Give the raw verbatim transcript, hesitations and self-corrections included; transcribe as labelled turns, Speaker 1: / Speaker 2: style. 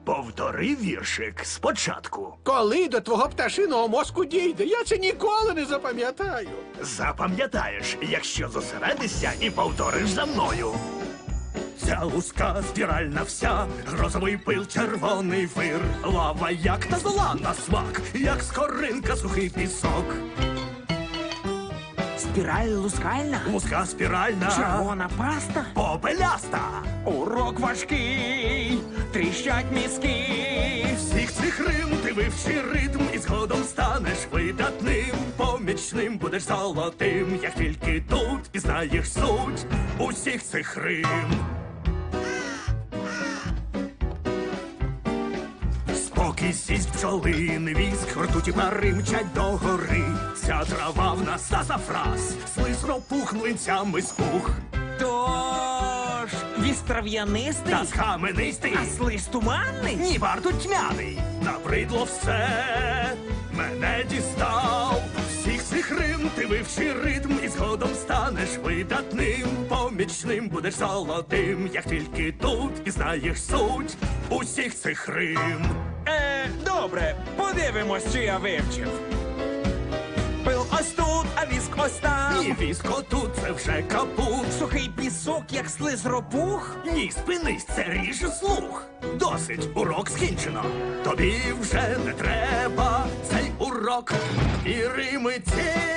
Speaker 1: Повтори віршик спочатку.
Speaker 2: Коли до твого пташиного мозку дійде, я це ніколи не запам'ятаю.
Speaker 1: Запам'ятаєш, якщо зосередишся і повториш за мною. Ця луска спіральна вся, грозовий пил, червоний вир, лава, як та зола на смак, як скоринка, сухий пісок.
Speaker 3: Спіраль лускальна,
Speaker 1: Луска спіральна,
Speaker 3: червона паста.
Speaker 1: попеляста.
Speaker 3: Урок важкий, тріщать мізки.
Speaker 1: Всіх цих рим ти вивчи ритм і згодом станеш видатним. Помічним будеш золотим, як тільки тут пізнаєш суть усіх цих рим. Спокій сість пчолин, віск, ртуті пари мчать догори. Ця трава в нас сазафраз, слиз ропух млинцями спух.
Speaker 3: Тож, віст трав'янистий,
Speaker 1: Та схаменистий,
Speaker 3: а слизь туманний.
Speaker 1: ні варто тьмяний. Набридло все, мене дістав. Всіх цих рим ти вивчи ритм і згодом станеш видатним. Помічним будеш золотим, як тільки тут пізнаєш суть усіх цих рим.
Speaker 3: Е, добре, подивимось, чи я вивчив. Пил ось тут, а віск ось там.
Speaker 1: Ні, віско тут, це вже капут.
Speaker 3: Сухий пісок, як слиз ропух.
Speaker 1: Ні, спинись, це ріже слух. Досить, урок скінчено. Тобі вже не треба цей урок. І рими ці